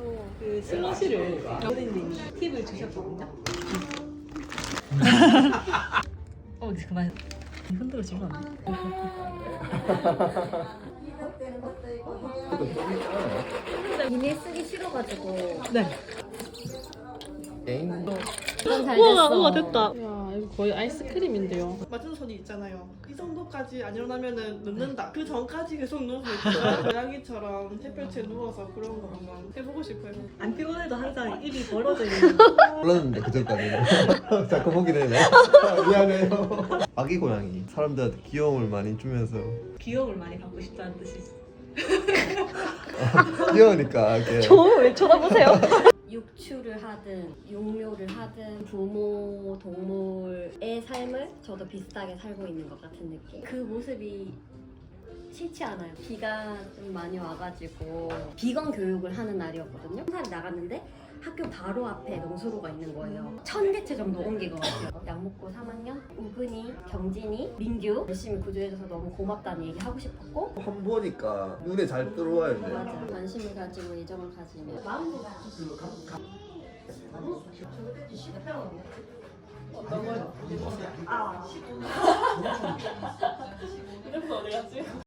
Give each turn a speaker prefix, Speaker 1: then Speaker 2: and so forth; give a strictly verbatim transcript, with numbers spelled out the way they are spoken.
Speaker 1: 또 그 슬러시를 어린님이 팁을 주셨거든요. 어 이제 그만 흔들어지면 안 돼.
Speaker 2: 비닐 쓰기 싫어가지고.
Speaker 1: 네.
Speaker 3: 게임도
Speaker 2: 이건 잘
Speaker 1: 우와
Speaker 2: 됐어.
Speaker 1: 우와 됐다. 야 이거 거의 아이스크림인데요.
Speaker 4: 마지노선이 있잖아요. 이 정도까지 안 일어나면은 눕는다. 그 전까지 계속 누워서 있다가 고양이처럼 햇볕에 누워서 그런 거 한번 해보고 싶어요.
Speaker 1: 안 피곤해도 항상 입이 벌어져 있는.
Speaker 3: 몰랐는데 그 전까지는 자꾸 보게 되네. 미안해요. 아기 고양이 사람들한테 귀여움을 많이 주면서
Speaker 1: 귀여움을 많이 받고 싶다는 뜻이지.
Speaker 3: 귀여우니까 이렇게
Speaker 1: 왜 쳐다보세요?
Speaker 2: 육추를 하든 육묘를 하든 부모 동물의 삶을 저도 비슷하게 살고 있는 것 같은 느낌. 그 모습이 싫지 않아요. 비가 좀 많이 와가지고 비건 교육을 하는 날이었거든요. 한 살이 나갔는데 학교 바로 앞에 농수로가 있는 거예요. 천 개체 정도 옮긴 것 같아요. 양목고 삼 학년 우근이, 경진이, 민규 열심히 구조해줘서 너무 고맙다는 얘기 하고 싶었고.
Speaker 3: 한 보니까 눈에 잘 들어와요.
Speaker 2: 맞아. 관심을 가지고 애정을 가지면 마음을
Speaker 4: 어떤 거? 아, 이래서 어디 갔지?